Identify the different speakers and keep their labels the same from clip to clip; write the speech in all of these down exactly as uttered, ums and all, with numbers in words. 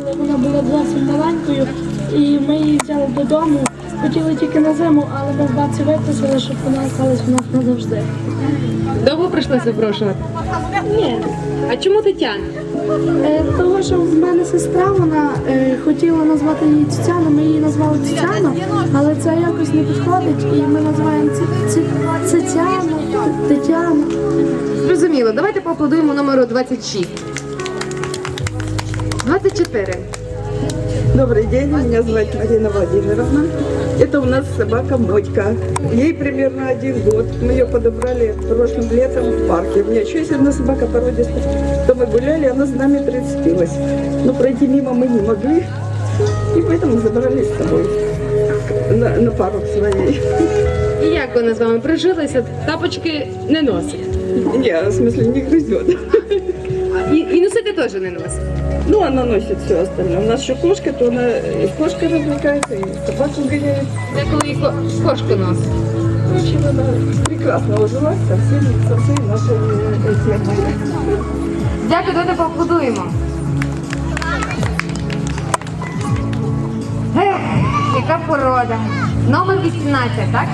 Speaker 1: але вона була зовсім маленькою, і ми її взяли додому. Хотіли тільки на зиму, але ми в бабці випросили, щоб вона залишилась у нас назавжди.
Speaker 2: Довго прийшлося запрошувати?
Speaker 1: Ні.
Speaker 2: А чому Тетяна?
Speaker 1: Е, Того, що в мене сестра, вона е, хотіла назвати її Тетяна, ми її назвали Тетяна, але це якось не підходить, і ми називаємо Ці- Ці- Тетяна, Т- Тетяна.
Speaker 2: Зрозуміло, давайте поаплодуємо номеру двадцять шість. двадцять чотири.
Speaker 3: Добрый день, меня зовут Марина Владимировна. Это у нас собака Мотька. Ей примерно один год. Мы ее подобрали прошлым летом в парке. У меня еще есть одна собака породистая. То мы гуляли, она с нами прицепилась. Но пройти мимо мы не могли. И поэтому забрали с собой на, на пару к своей.
Speaker 2: І як вона з вами прижилася? Тапочки не носить.
Speaker 3: Не, в смысле не грызет.
Speaker 2: І, і носити теж не носить.
Speaker 3: Ну, она носит все остальное. У нас еще кошка, то она и с кошкой развлекается, и собаку гоняет.
Speaker 2: Деколи і ко- кошку носить.
Speaker 3: В общем, она прекрасно ужилась со всеми, со всей нашей э, темой.
Speaker 2: Дякую, давайте поаплодуємо. Ех, яка порода. Номер вісімнадцять, так?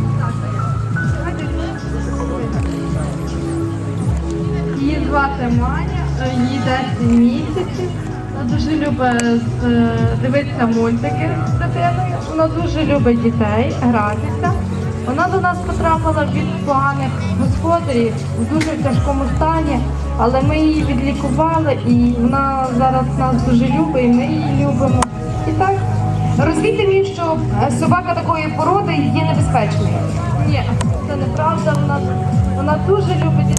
Speaker 4: Її звати Маня, їй десять місяців. Вона дуже любить е, дивитися мультики з дитиною. Вона дуже любить дітей, гратися. Вона до нас потрапила від поганих господарів у дуже тяжкому стані, але ми її відлікували і вона зараз нас дуже любить, і ми її любимо. І так.
Speaker 2: Розвійте мені, що е, собака такої породи є небезпечною.
Speaker 4: Ні, це неправда. Вона, вона дуже любить дітей.